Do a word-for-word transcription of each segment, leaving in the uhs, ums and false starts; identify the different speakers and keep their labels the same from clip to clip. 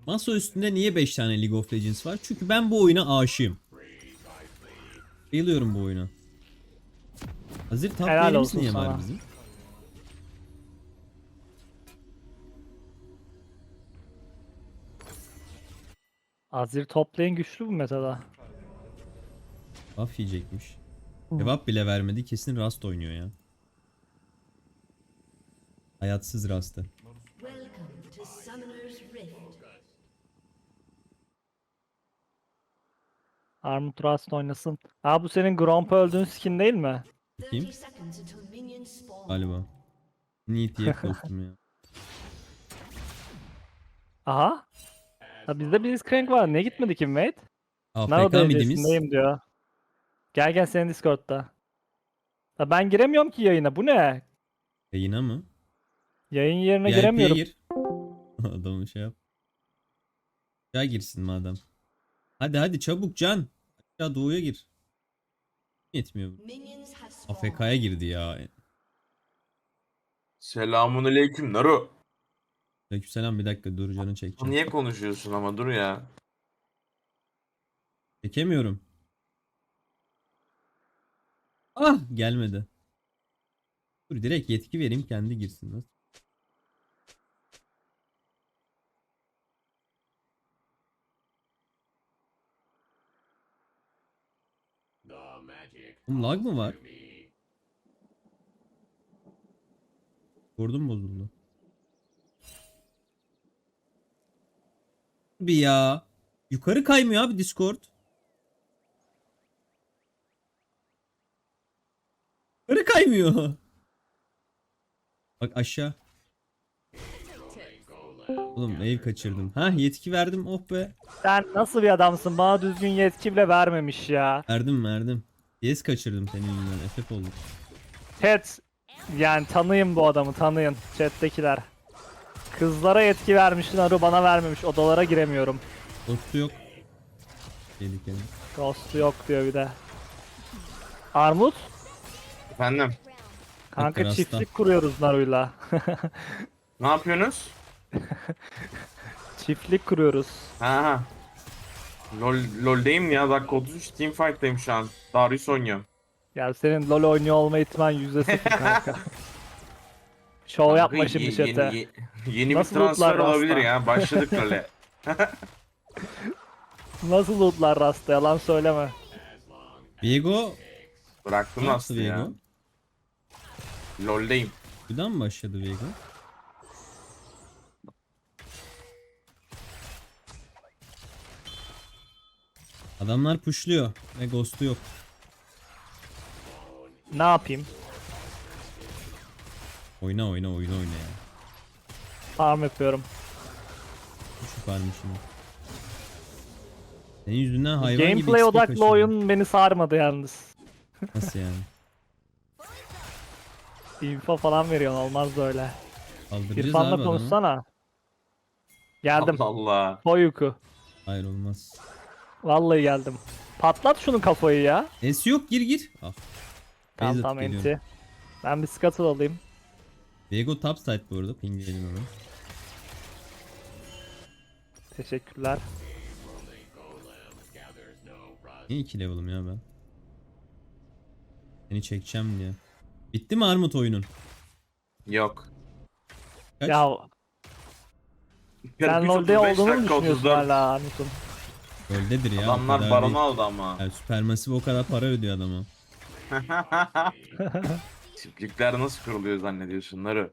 Speaker 1: Masa üstünde niye beş tane League of Legends var? Çünkü ben bu oyuna aşığım. Bayılıyorum bu oyuna. Hazır top
Speaker 2: Helal
Speaker 1: lane'imiz
Speaker 2: olsun
Speaker 1: niye var
Speaker 2: sana.
Speaker 1: bizim?
Speaker 2: Azir toplayın güçlü bu metada.
Speaker 1: Buff yiyecekmiş. Cevap bile vermedi. Kesin Rust oynuyor ya. Hayatsız Rust'ı.
Speaker 3: Welcome to Summoner's Rift.
Speaker 2: Armut Rust oynasın. Aa bu senin Gromp öldüğün skin değil mi?
Speaker 1: Bakayım.
Speaker 3: thirty seconds until minions spawn.
Speaker 1: Galiba. Need diye dostum ya.
Speaker 2: Aha. Ha bizde Blitzcrank var. Niye gitmedi ki mate? Nano
Speaker 1: A F K midimiz.
Speaker 2: derecesindeyim diyor. Gel gel senin Discord'da. Ha ben giremiyorum ki yayına. Bu ne?
Speaker 1: Yayına mı?
Speaker 2: Yayın yerine
Speaker 1: V I P'ye
Speaker 2: giremiyorum.
Speaker 1: gir. Adamı şey yap. Ya girsin madem. Hadi hadi çabuk Can. Aşağı doğuya gir. Yetmiyor.
Speaker 3: Minions have
Speaker 1: A
Speaker 3: spawned.
Speaker 1: F K'ya girdi ya.
Speaker 4: Selamünaleyküm Naru.
Speaker 1: Aleykümselam, bir dakika dur canı çekeceğim.
Speaker 4: Niye konuşuyorsun ama dur ya.
Speaker 1: Çekemiyorum. Ah gelmedi. Dur direkt yetki vereyim kendi girsin. Nasıl? Oğlum lag mı var? Vurdum bozuldu. Bir ya. Yukarı kaymıyor abi Discord. Yukarı kaymıyor. Bak aşağı. Oğlum ev kaçırdım. Ha yetki verdim, oh be.
Speaker 2: Sen nasıl bir adamsın? Bana düzgün yetki bile vermemiş ya.
Speaker 1: Verdim verdim. Yes kaçırdım senin yüzünden. F F oldum.
Speaker 2: Chat. Yani tanıyın bu adamı tanıyın. Chat'tekiler. Kızlara yetki vermiş Naru bana vermemiş. Odalara giremiyorum.
Speaker 1: Dostu yok. Tehlikeli.
Speaker 2: Ghost'u yok diyor bir de. Armut.
Speaker 4: Efendim
Speaker 2: Kanka
Speaker 1: Rasta.
Speaker 2: çiftlik kuruyoruz Naru'yla.
Speaker 4: ne yapıyorsunuz?
Speaker 2: Çiftlik kuruyoruz.
Speaker 4: Ha ha. Lol, LoL'deyim ya, dakika otuz üç teamfight'tayım şu an. Darius oynuyorum.
Speaker 2: Ya senin LoL oynuyor olma ihtimal yüzde sıfır kanka. Şov yapma
Speaker 4: Kanka,
Speaker 2: şimdi
Speaker 4: ye-
Speaker 2: chat'e.
Speaker 4: Yeni, ye- yeni bir
Speaker 2: Nasıl
Speaker 4: transfer
Speaker 2: lootlar
Speaker 4: olabilir
Speaker 2: Rasta?
Speaker 4: ya. Başladık LoL'e.
Speaker 2: Nasıl lootlar Rasta yalan söyleme.
Speaker 1: Viego
Speaker 4: Bıraktım
Speaker 1: ne yaptı
Speaker 4: Rast'ı ya.
Speaker 1: Viego?
Speaker 4: LoL'deyim.
Speaker 1: Buradan mı başladı Viego? Adamlar pushluyor ve ghost'u yok.
Speaker 2: Ne yapayım?
Speaker 1: Oyna oyna oyna oyna ya.
Speaker 2: Farm yapıyorum.
Speaker 1: Şu varmış şimdi. Senin yüzünden hayvan gibi
Speaker 2: Gameplay
Speaker 1: X P
Speaker 2: odaklı
Speaker 1: kaçırdım.
Speaker 2: oyun beni sarmadı yalnız.
Speaker 1: Nasıl yani?
Speaker 2: Info falan veriyorsun olmaz böyle.
Speaker 1: Kaldıracağız abi
Speaker 2: İrfan'la
Speaker 1: adamı.
Speaker 2: konuşsana. Geldim.
Speaker 4: Allah Allah.
Speaker 2: Boyuku.
Speaker 1: Hayır olmaz.
Speaker 2: Vallahi geldim. Patlat şunun kafayı ya.
Speaker 1: Es yok, gir gir. Ah.
Speaker 2: Tamam
Speaker 1: Beyzat
Speaker 2: tamam
Speaker 1: geliyorum.
Speaker 2: enti. Ben bir scuttle alayım.
Speaker 1: Viego top side bu arada. Pingleyelim hemen.
Speaker 2: Teşekkürler.
Speaker 1: Niye iki level'ım ya ben? Seni çekeceğim diye. Bitti mi Armut oyunun?
Speaker 4: Yok.
Speaker 1: Kaç?
Speaker 2: Ya sen
Speaker 4: kırk üç,
Speaker 2: LoL'de
Speaker 4: otuz beş
Speaker 2: olduğunu mu
Speaker 4: dakika,
Speaker 2: düşünüyorsun
Speaker 4: otuz dört.
Speaker 2: hala Armut'un?
Speaker 1: Öldədir ya. o
Speaker 4: Adamlar
Speaker 1: kadar
Speaker 4: baronu
Speaker 1: değil.
Speaker 4: aldı ama.
Speaker 1: Yani Supermassive o kadar para ödüyor adama.
Speaker 4: Çiftlikler nasıl kuruluyor zannediyorsun Naru?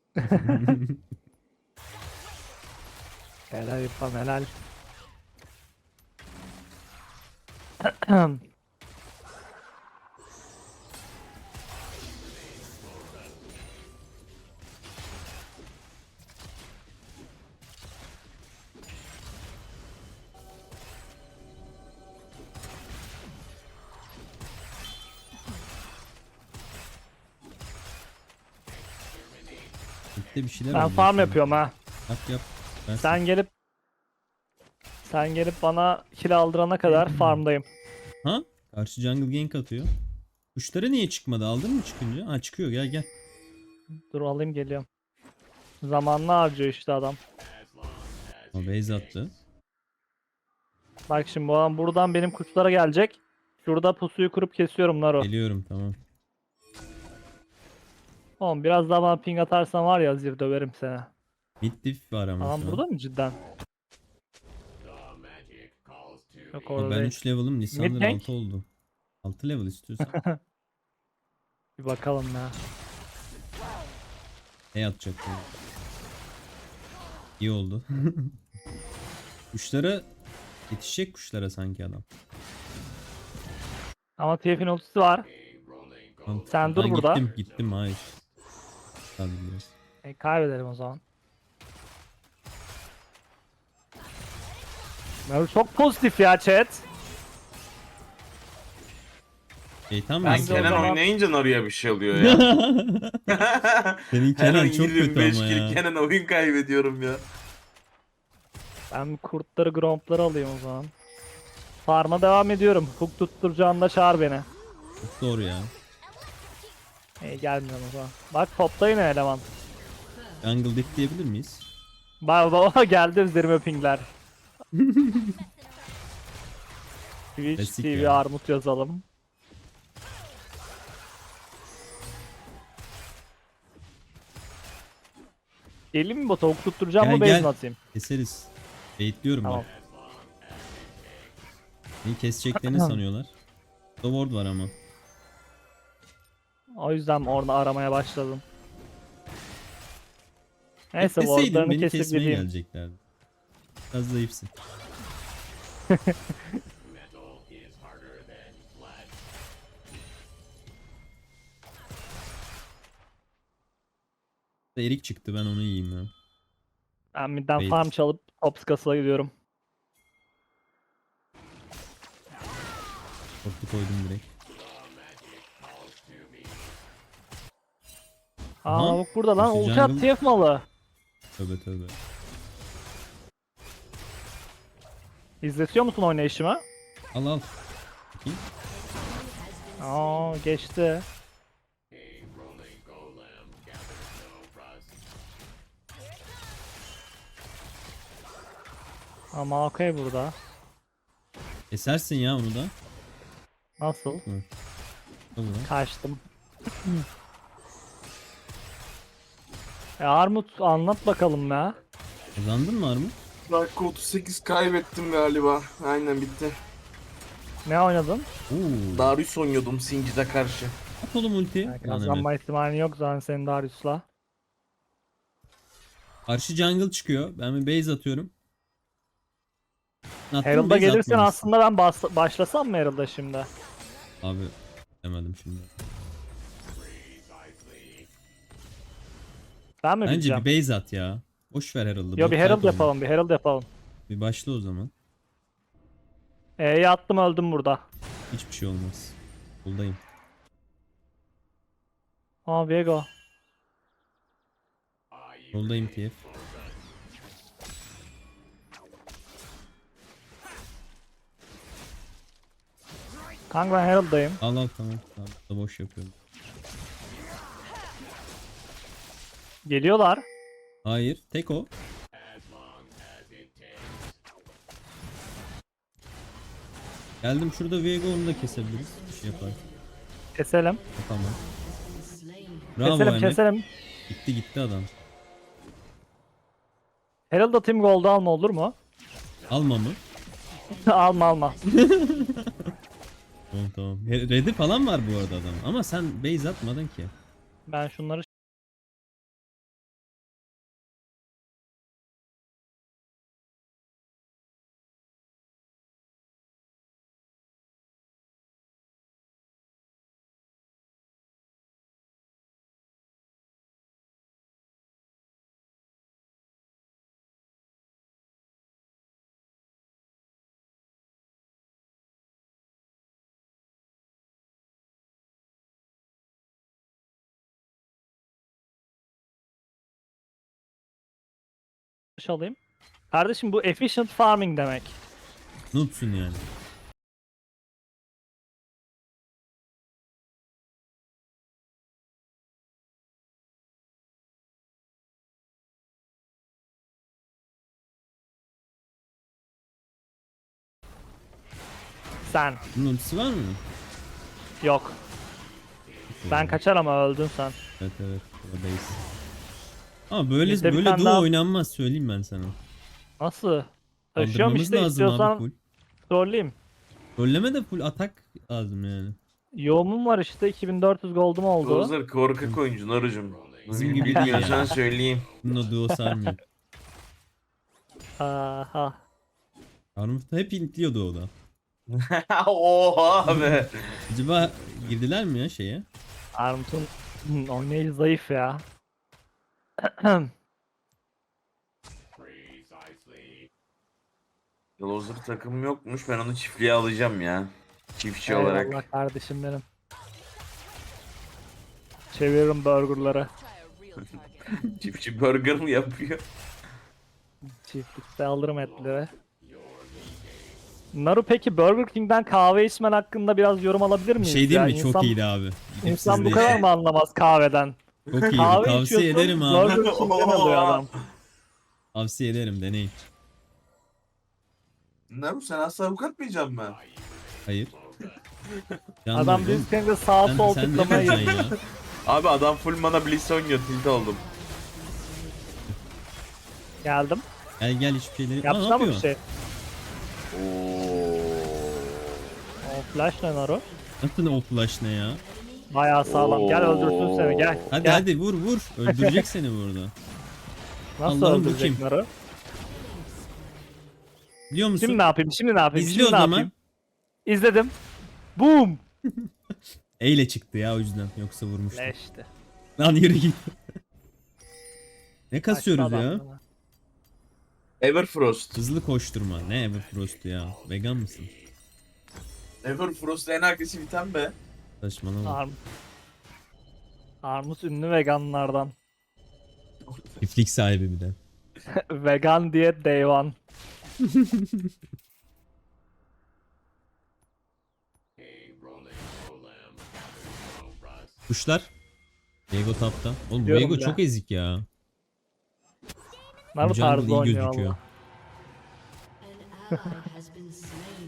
Speaker 2: Helal İrfan helal.
Speaker 1: Bitti bir şeyler
Speaker 2: Ben
Speaker 1: oluyor
Speaker 2: farm
Speaker 1: sana.
Speaker 2: yapıyorum ha.
Speaker 1: Yap yap. Ben
Speaker 2: Sen gelip sen gelip bana kill aldırana kadar farmdayım.
Speaker 1: Ha? Karşı jungle gank atıyor. Kuşları niye çıkmadı? Aldın mı çıkınca? Ha çıkıyor, gel gel.
Speaker 2: Dur alayım geliyorum. Zamanını harcıyor işte adam.
Speaker 1: O base attı.
Speaker 2: Bak şimdi bu adam buradan benim kuşlara gelecek. Şurada pusuyu kurup kesiyorum Naru.
Speaker 1: Geliyorum tamam.
Speaker 2: Oğlum biraz daha bana ping atarsan var ya Zir döverim seni.
Speaker 1: Mid diff var ama
Speaker 2: Adam
Speaker 1: şu an.
Speaker 2: burada mı cidden? Yok
Speaker 1: Ama
Speaker 2: orada
Speaker 1: ben
Speaker 2: değil.
Speaker 1: üç level'ım. Lisandro
Speaker 2: gank.
Speaker 1: altı oldu. altı level istiyorsan.
Speaker 2: Bir bakalım ya.
Speaker 1: Ne atacak bu? İyi oldu. Kuşlara yetişecek kuşlara sanki adam.
Speaker 2: Ama T F'in ultisi var.
Speaker 1: Tamam,
Speaker 2: Sen dur
Speaker 1: ben
Speaker 2: burada.
Speaker 1: Gittim gittim hayır. Tabii biraz.
Speaker 2: E, kaybedelim o zaman. Naru çok pozitif ya chat.
Speaker 1: Şeytan
Speaker 4: Ben
Speaker 2: de o
Speaker 1: mısın?
Speaker 4: Kenan
Speaker 2: zaman-
Speaker 4: oynayınca Naru'ya bir şey oluyor ya.
Speaker 1: Senin
Speaker 4: Her
Speaker 1: Kenan
Speaker 4: oyun
Speaker 1: çok kötü
Speaker 4: yirmi beş
Speaker 1: ama
Speaker 4: kill
Speaker 1: ya.
Speaker 4: Kenan oyun kaybediyorum ya.
Speaker 2: Ben kurtları grompları alayım o zaman. Farma devam ediyorum. Hook tutturacağında çağır beni.
Speaker 1: Çok doğru ya.
Speaker 2: E, gelmiyorum o zaman. Bak topta yine eleman.
Speaker 1: Jungle diff diyebilir miyiz?
Speaker 2: Bak baba geldi üzerime pingler. Twitch
Speaker 1: Klasik
Speaker 2: T V
Speaker 1: ya.
Speaker 2: Armut yazalım. Geleyim mi bota? Hook tutturacağım
Speaker 1: Gel,
Speaker 2: mı base
Speaker 1: gel.
Speaker 2: mi atayım?
Speaker 1: Keseriz. Baitliyorum
Speaker 2: Tamam.
Speaker 1: bak. Beni keseceklerini sanıyorlar. Sword var ama.
Speaker 2: O yüzden orada aramaya başladım. Neyse
Speaker 1: Bekleseydin
Speaker 2: wardlarını
Speaker 1: beni
Speaker 2: kesip
Speaker 1: kesmeye
Speaker 2: gideyim.
Speaker 1: geleceklerdi. Biraz zayıfsın. Erik çıktı ben onu yiyeyim ya.
Speaker 2: Ben midden
Speaker 1: Bait.
Speaker 2: farm çalıp Tops kasıla gidiyorum.
Speaker 1: Korktu koydum direkt.
Speaker 2: Aa
Speaker 1: Aha.
Speaker 2: lavuk burada lan.
Speaker 1: Koşu
Speaker 2: Ulti at
Speaker 1: jungle-
Speaker 2: T F malı.
Speaker 1: Tövbe tövbe.
Speaker 2: İzletiyor musun oynayışımı?
Speaker 1: Al al. Bakayım.
Speaker 2: Aa geçti. Ama okey burada.
Speaker 1: Kesersin ya onu da.
Speaker 2: Nasıl?
Speaker 1: Olur.
Speaker 2: Kaçtım. e Armut anlat bakalım ya.
Speaker 1: Kazandın mı Armut?
Speaker 4: Dakika otuz sekiz kaybettim galiba. Aynen bitti.
Speaker 2: Ne oynadın?
Speaker 1: Oo.
Speaker 4: Darius oynuyordum Singed'e karşı.
Speaker 1: At oğlum ulti.
Speaker 2: Yani
Speaker 1: Lan Emre.
Speaker 2: kazanma ihtimalin yok zaten senin Darius'la.
Speaker 1: Karşı jungle çıkıyor. Ben bir base atıyorum. Attım,
Speaker 2: Herald'a
Speaker 1: base
Speaker 2: gelirsen
Speaker 1: atmamışsın.
Speaker 2: aslında ben bas- başlasam mı Herald'a şimdi?
Speaker 1: Abi demedim şimdi.
Speaker 2: Ben mi
Speaker 1: Bence
Speaker 2: bileceğim?
Speaker 1: bir base at ya. Boş ver Herald'ı.
Speaker 2: Yo
Speaker 1: bot
Speaker 2: bir
Speaker 1: fight
Speaker 2: Herald
Speaker 1: oyna.
Speaker 2: yapalım, bir Herald yapalım.
Speaker 1: Bir başla o zaman.
Speaker 2: E'yi attım öldüm burada.
Speaker 1: Hiçbir şey olmaz. Buradayım.
Speaker 2: Aa Viego.
Speaker 1: Yoldayım T F.
Speaker 2: Kanka ben Herald'dayım.
Speaker 1: Al al tamam. Tamam da boş yapıyorum.
Speaker 2: Geliyorlar.
Speaker 1: Hayır. Tek o. Geldim şurada Viego onu da kesebiliriz. Bir şey yapar.
Speaker 2: Keselim.
Speaker 1: Tamam.
Speaker 3: Slain.
Speaker 1: Bravo
Speaker 2: keselim
Speaker 1: Emre.
Speaker 2: keselim.
Speaker 1: Gitti gitti adam.
Speaker 2: Herald atayım gold alma olur mu?
Speaker 1: Alma mı?
Speaker 2: alma alma.
Speaker 1: Tamam tamam. He- Red'i falan var bu arada adam. Ama sen base atmadın ki.
Speaker 2: Ben şunları alayım. Kardeşim bu efficient farming demek.
Speaker 1: Noobsun yani.
Speaker 2: sen.
Speaker 1: Bunun ultisi var mı?
Speaker 2: Yok. Ben kaçar ama öldün sen.
Speaker 1: Evet evet. Buradayız. Ama böyle
Speaker 2: Bizde bir
Speaker 1: böyle
Speaker 2: tane
Speaker 1: duo
Speaker 2: daha-
Speaker 1: oynanmaz söyleyeyim ben sana.
Speaker 2: Nasıl? Taşıyorum
Speaker 1: Kaldırmamız
Speaker 2: işte,
Speaker 1: lazım abi
Speaker 2: istiyorsan
Speaker 1: full.
Speaker 2: trolleyim.
Speaker 1: Rolleme de full atak lazım yani.
Speaker 2: Yoğumum var işte, iki bin dört yüz gold'um oldu.
Speaker 4: Closer korkak oyuncu Narucum.
Speaker 1: Bizim gibi değil
Speaker 4: Bilmiyorsan
Speaker 1: ya.
Speaker 4: söyleyeyim.
Speaker 1: Bunun o duo sarmıyor.
Speaker 2: Aha.
Speaker 1: Armut da hep intliyordu o da.
Speaker 4: Oha be.
Speaker 1: Acaba girdiler mi ya şeye?
Speaker 2: Armut'un oynayışı zayıf ya.
Speaker 4: Closer takım yokmuş. Ben onu çiftliğe alacağım ya. Çiftçi olarak.
Speaker 2: Eyvallah kardeşim benim. Çeviririm burgerları.
Speaker 4: Çiftçi burger mı yapıyor?
Speaker 2: Çiftlikte alırım etleri. Naru, peki Burger King'den kahve içmen hakkında biraz yorum alabilir
Speaker 1: Bir
Speaker 2: miyiz?
Speaker 1: şey değil
Speaker 2: ya?
Speaker 1: mi?
Speaker 2: İnsan,
Speaker 1: Çok iyiydi abi. Gidip
Speaker 2: İnsan bu
Speaker 1: sizle-
Speaker 2: kadar mı anlamaz kahveden?
Speaker 1: Çok iyiydi.
Speaker 2: Kahve
Speaker 1: Tavsiye
Speaker 2: içiyorsun,
Speaker 1: ederim abi.
Speaker 2: Burger King'den alıyor adam.
Speaker 1: Tavsiye ederim deneyin.
Speaker 4: Naru sen asla avukat mıyacaksın ben?
Speaker 1: Hayır. Canlı
Speaker 2: Adam
Speaker 1: oğlum.
Speaker 2: biz kendi sağ
Speaker 1: Sen,
Speaker 2: sol
Speaker 1: sen ne
Speaker 2: tıklamayı
Speaker 1: yapacaksın ya?
Speaker 4: Abi adam full mana Blitz oynuyor. Tilt oldum.
Speaker 2: geldim.
Speaker 1: Gel gel hiçbir şeyleri. Aa, ne
Speaker 2: Yapsana mı
Speaker 1: yapıyor?
Speaker 2: bir şey?
Speaker 4: Oo.
Speaker 2: O flash ne Naru?
Speaker 1: Nasıl o flash ne ya?
Speaker 2: Bayağı sağlam. Gel öldürsün seni, gel.
Speaker 1: Hadi
Speaker 2: gel.
Speaker 1: hadi vur vur. Öldürecek seni burada.
Speaker 2: Nasıl
Speaker 1: Allah'ım bu
Speaker 2: öldürecek
Speaker 1: kim?
Speaker 2: Naru?
Speaker 1: Biliyor musun?
Speaker 2: Şimdi ne yapayım? Şimdi ne yapayım?
Speaker 1: İzle o
Speaker 2: Şimdi ne
Speaker 1: zaman.
Speaker 2: yapayım? İzledim. Boom.
Speaker 1: E ile çıktı ya o yüzden. Yoksa vurmuştu.
Speaker 2: Leşti.
Speaker 1: Lan yürü git. Ne
Speaker 2: Kaçtı
Speaker 1: kasıyoruz
Speaker 2: adam
Speaker 1: ya?
Speaker 2: bana.
Speaker 4: Everfrost.
Speaker 1: Hızlı koşturma. Ne Everfrost ya? Vegan mısın?
Speaker 4: Everfrost en agresif item be.
Speaker 1: Saçmalama.
Speaker 2: Armut. Armut ünlü veganlardan.
Speaker 1: Çiftlik sahibi bir de.
Speaker 2: Vegan diyet day one.
Speaker 1: Kuşlar. Viego tapta. Oğlum bu
Speaker 2: Diyorum
Speaker 1: Viego
Speaker 2: ya.
Speaker 1: çok ezik ya.
Speaker 2: Naru
Speaker 1: Bu jungle
Speaker 2: tarzı
Speaker 1: iyi
Speaker 2: oynuyor
Speaker 1: gözüküyor.
Speaker 2: Allah.
Speaker 3: An ally has been slain.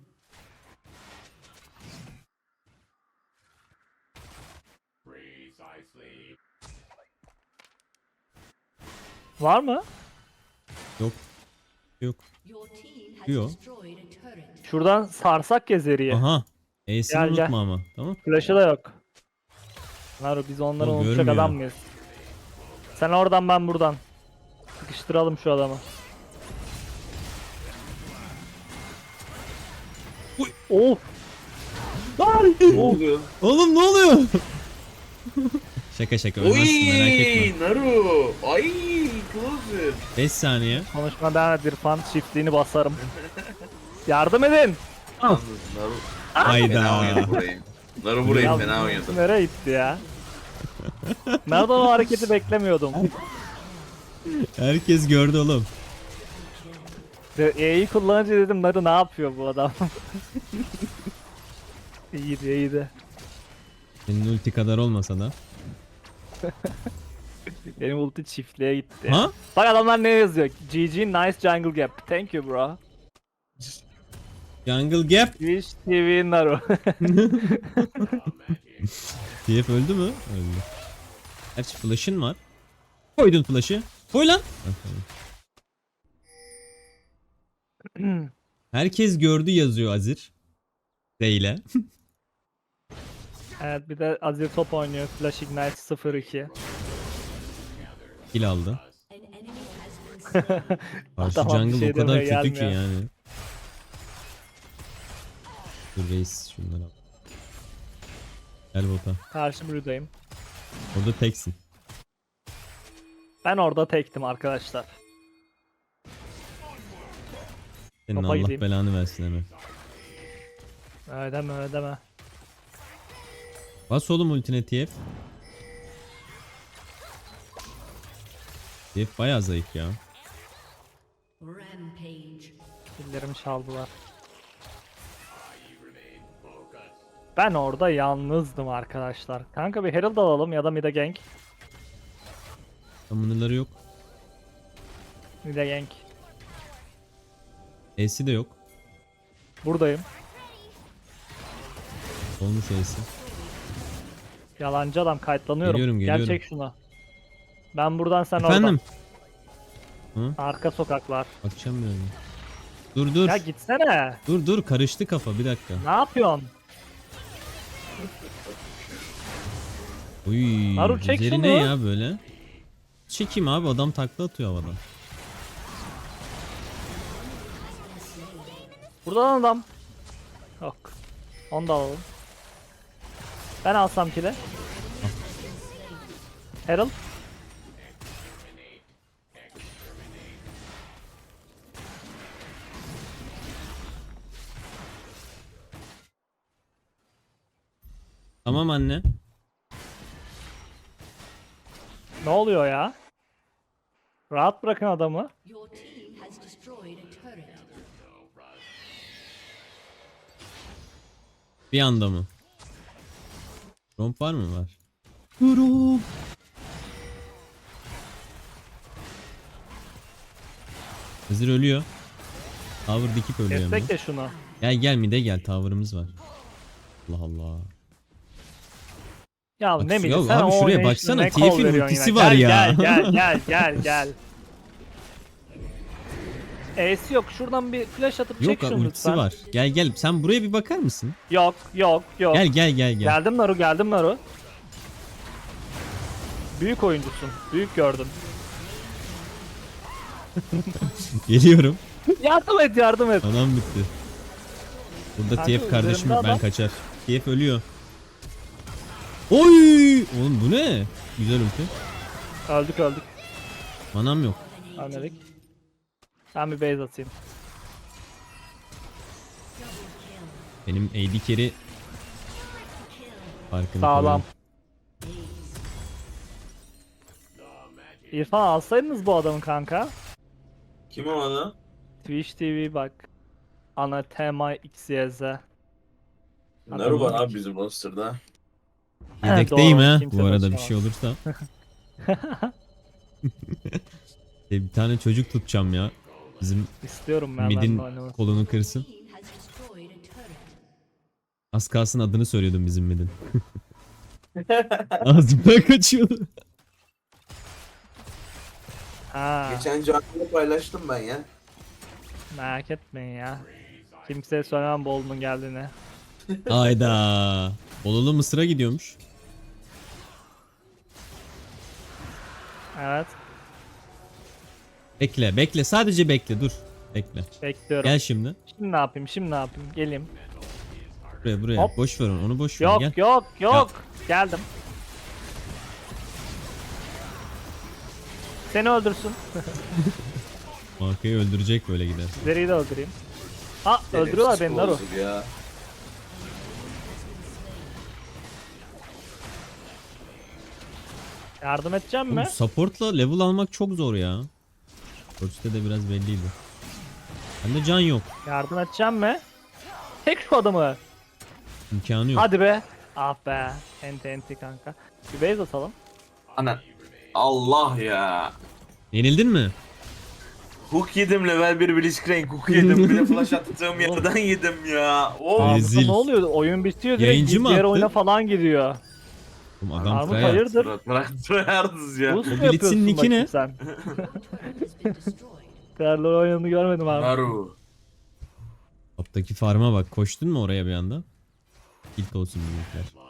Speaker 2: Var mı?
Speaker 1: Yok. Yok.
Speaker 3: Your team has
Speaker 1: Yo.
Speaker 3: destroyed a turret.
Speaker 2: Şuradan sarsak ya Zeri'yi.
Speaker 1: Aha. E'sini
Speaker 2: Gel, gel.
Speaker 1: unutma ama. Tamam.
Speaker 2: Flash'ı da yok. Naru biz onları
Speaker 1: O
Speaker 2: unutacak
Speaker 1: görmüyor.
Speaker 2: adam mıyız? Sen oradan, ben buradan. Sıkıştıralım şu adamı. Uy, of. Lan!
Speaker 4: Ne
Speaker 2: Of.
Speaker 4: oluyor?
Speaker 1: Oğlum ne oluyor? şaka şaka ölmezsin merak etme.
Speaker 4: Naru. Ay Closer.
Speaker 1: beş saniye.
Speaker 2: Konuşma devam et İrfan, çiftliğini basarım. Yardım edin.
Speaker 4: Yalnız Naru fena oynadı
Speaker 1: Hayda.
Speaker 4: burayı. Naru burayı
Speaker 2: Ya,
Speaker 4: fena oynadı.
Speaker 2: nereye gitti ya? Nereden o hareketi beklemiyordum.
Speaker 1: Herkes gördü oğlum.
Speaker 2: E'yi kullanınca dedim Naru ne yapıyor bu adam? iyiydi iyiydi.
Speaker 1: Senin ulti kadar olmasa da.
Speaker 2: Benim ulti çiftliğe gitti.
Speaker 1: Ha?
Speaker 2: Bak adamlar ne yazıyor? G G nice jungle gap. Thank you bro.
Speaker 1: Jungle Gap.
Speaker 2: Twitch T V Naru.
Speaker 1: T F öldü mü? Öldü. Gerçi flash'ın var. Koydun flash'ı. Koy lan. Ha, tamam. Herkes gördü yazıyor Azir. Değil
Speaker 2: Evet, bir de Azir top oynuyor. Flash Ignite sıfır iki.
Speaker 1: Kill aldı.
Speaker 3: An enemy has been slain.
Speaker 1: Karşı
Speaker 2: Adama bir
Speaker 1: jungle
Speaker 2: şey
Speaker 1: o kadar
Speaker 2: demeye
Speaker 1: kötü ki
Speaker 2: gelmiyor.
Speaker 1: yani. Dur reis şunları al. Gel bota.
Speaker 2: Karşı Blue'dayım.
Speaker 1: Orada teksin.
Speaker 2: Ben orada tektim arkadaşlar.
Speaker 1: Senin
Speaker 2: Topa
Speaker 1: Allah
Speaker 2: gideyim.
Speaker 1: belanı versin hemen.
Speaker 2: Öyle deme öyle deme.
Speaker 1: Bas oğlum ultine T F. T F bayağı zayıf ya.
Speaker 3: Rampage.
Speaker 2: Killerimi çaldılar. Ben orada yalnızdım arkadaşlar. Kanka bir Herald alalım ya da mid'e gank.
Speaker 1: Summoner'ları yok.
Speaker 2: Mid'e gank.
Speaker 1: E'si de yok.
Speaker 2: Buradayım.
Speaker 1: Olmuş Ace'i.
Speaker 2: Yalancı adam kayıtlanıyorum.
Speaker 1: Geliyorum,
Speaker 2: Gel
Speaker 1: geliyorum.
Speaker 2: çek şunu. Ben buradan sen
Speaker 1: Efendim?
Speaker 2: oradan.
Speaker 1: Hı?
Speaker 2: Arka sokaklar.
Speaker 1: Bakacağım birazdan. Dur dur.
Speaker 2: Ya gitsene.
Speaker 1: Dur dur karıştı kafa bir dakika.
Speaker 2: Ne yapıyorsun?
Speaker 1: Uy.
Speaker 2: Naru, çek
Speaker 1: üzeri
Speaker 2: şunu.
Speaker 1: ne ya böyle? Çekeyim abi adam takla atıyor havadan.
Speaker 2: Buradan adam. Yok. Onu da alalım. Ben alsam kile. Herald.
Speaker 1: Tamam anne.
Speaker 2: Ne oluyor ya? Rahat bırakın adamı.
Speaker 3: Your team has destroyed a turret.
Speaker 1: Bir anda mı? Romp var mı? Var. Romp. Hızır ölüyor. Tower dikip ölüyor hemen.
Speaker 2: Destekle şunu.
Speaker 1: Gel gel mide gel tower'ımız var. Allah Allah.
Speaker 2: Ya
Speaker 1: Bak,
Speaker 2: ne
Speaker 1: ya
Speaker 2: bileyim sen
Speaker 1: abi
Speaker 2: o
Speaker 1: şuraya
Speaker 2: oynayışını
Speaker 1: baksana,
Speaker 2: ne
Speaker 1: T F'in
Speaker 2: kol veriyorsun
Speaker 1: ultisi
Speaker 2: yine.
Speaker 1: var
Speaker 2: Gel,
Speaker 1: ya.
Speaker 2: Gel gel gel gel gel. Ace yok. Şuradan bir flash atıp
Speaker 1: Yok
Speaker 2: çek şunu
Speaker 1: ultisi
Speaker 2: lütfen.
Speaker 1: var. Gel gel sen buraya bir bakar mısın?
Speaker 2: Yok yok yok.
Speaker 1: Gel gel gel gel.
Speaker 2: Geldim Naru, geldim Naru. Büyük oyuncusun. Büyük gördüm.
Speaker 1: Geliyorum.
Speaker 2: Yardım et, yardım et.
Speaker 1: Anam bitti. Burada
Speaker 2: Kanka,
Speaker 1: T F kardeşim
Speaker 2: üzerimde
Speaker 1: yok ben
Speaker 2: adam.
Speaker 1: kaçar. T F ölüyor. Oy! Oğlum bu ne? Güzel ulti.
Speaker 2: Öldük öldük.
Speaker 1: Manam yok.
Speaker 2: Ölmedik. Ben bir base atayım.
Speaker 1: Benim A D carry farkını
Speaker 2: Sağlam.
Speaker 1: koyuyorum.
Speaker 2: İrfan alsaydınız bu adamı kanka.
Speaker 4: Kim o adam?
Speaker 2: Twitch T V bak. Anathema X Y Z.
Speaker 4: Naru var abi bizim roster'da.
Speaker 1: Yedekteyim
Speaker 2: Doğru,
Speaker 1: ha.
Speaker 2: kimse
Speaker 1: Bu arada bir
Speaker 2: taşıyamaz.
Speaker 1: şey olursa. E, bir tane çocuk tutacağım ya. Bizim
Speaker 2: İstiyorum ben
Speaker 1: midin
Speaker 2: ben de oynamak.
Speaker 1: kolunu kırsın.
Speaker 3: Team has destroyed a turret.
Speaker 1: Az kalsın adını söylüyordum bizim midin. Ağzımdan kaçıyordu.
Speaker 2: Ha,
Speaker 4: Geçen canlı paylaştım ben ya.
Speaker 2: merak etmeyin ya. Kimseye söylemem Bolun'un geldiğini.
Speaker 1: Hayda. Bolulu Mısır'a gidiyormuş.
Speaker 2: Evet,
Speaker 1: Bekle bekle sadece bekle dur. Bekle.
Speaker 2: bekliyorum.
Speaker 1: Gel şimdi.
Speaker 2: Şimdi ne yapayım, şimdi ne yapayım? Geleyim.
Speaker 1: Buraya buraya.
Speaker 2: Hop.
Speaker 1: Boş ver onu, onu boş ver.
Speaker 2: Yok
Speaker 1: Gel.
Speaker 2: yok yok. Geldim. Seni öldürsün.
Speaker 1: Markayı öldürecek böyle gider.
Speaker 2: Zeri'yi de öldüreyim. Ha, öldürüyorlar beni Naru.
Speaker 4: Bozuk ya.
Speaker 2: Yardım edeceğim mi?
Speaker 1: Oğlum, support'la level almak çok zor ya. Coach'ta de biraz belliydi. Bende can yok.
Speaker 2: Yardım edeceğim mi? Tek şu adamı.
Speaker 1: İmkanı yok.
Speaker 2: Hadi be. Ah be. Enti enti kanka. Bir base atalım.
Speaker 4: Ana. Allah ya.
Speaker 1: Yenildin mi?
Speaker 4: Hook yedim level bir Blitzcrank hook yedim. Bir de flash attığım yerden yedim ya. Oh.
Speaker 2: Aa,
Speaker 1: Rezil.
Speaker 2: burada ne oluyor? Oyun bitiyor direkt
Speaker 1: Yayıncı mı
Speaker 2: diğer
Speaker 1: attı?
Speaker 2: oyuna falan gidiyor.
Speaker 1: Oğlum adam
Speaker 2: Armut
Speaker 1: tryhard.
Speaker 2: hayırdır?
Speaker 4: Bırak bırak tryhardız ya.
Speaker 2: Boost mu
Speaker 1: Blitz'in
Speaker 2: yapıyorsun
Speaker 1: nicki
Speaker 2: bakayım
Speaker 1: ne?
Speaker 2: sen?
Speaker 3: Has been destroyed.
Speaker 2: Karlı oyununu görmedim abi.
Speaker 4: Naru.
Speaker 1: Toptaki farma bak. Koştun mu oraya bir anda? İlk olsun büyükler.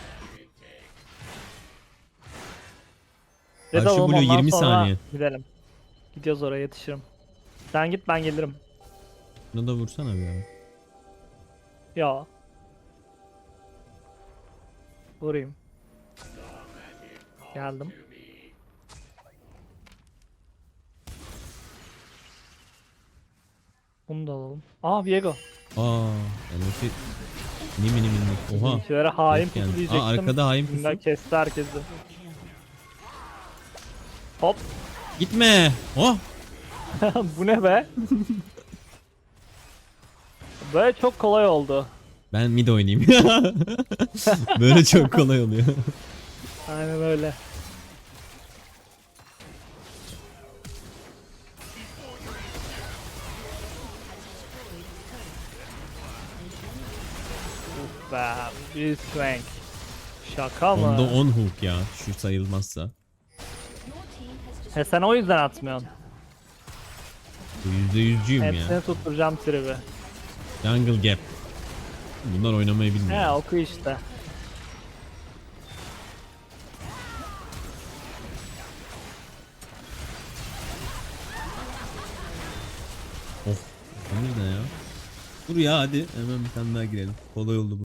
Speaker 2: Red
Speaker 1: Karşı
Speaker 2: alalım,
Speaker 1: blue
Speaker 2: ondan
Speaker 1: yirmi
Speaker 2: sonra
Speaker 1: saniye.
Speaker 2: Gidelim. Gidiyoruz oraya, yetişirim. Sen git, ben gelirim.
Speaker 1: Bunu da vursana bir ara.
Speaker 2: Ya. Vurayım. Geldim. Bunu da alalım. Aa, Viego.
Speaker 1: Aa, Elif'i mini mini mini. Oha.
Speaker 2: Bizimkilere hain
Speaker 1: Yok yani.
Speaker 2: pusu diyecektim.
Speaker 1: Aa, arkada hain pusu.
Speaker 2: Bunlar kesti herkesi. Hop.
Speaker 1: Gitme. Oh.
Speaker 2: Bu ne be? Böyle çok kolay oldu.
Speaker 1: Ben mid oynayayım. Böyle çok kolay oluyor.
Speaker 2: Aynen öyle. be. Blitzcrank. Şaka mı?
Speaker 1: Onda on hook ya. Şu sayılmazsa.
Speaker 2: He sen o yüzden atmıyorsun.
Speaker 1: yüzde yüzcüyüm
Speaker 2: Hepsini
Speaker 1: ya.
Speaker 2: tutturacağım tribi.
Speaker 1: Jungle Gap. Bunlar oynamayı bilmiyor.
Speaker 2: He oku işte.
Speaker 1: Oh. Tanır ne ya? Dur ya hadi. Hemen bir tane daha girelim. Kolay oldu bu.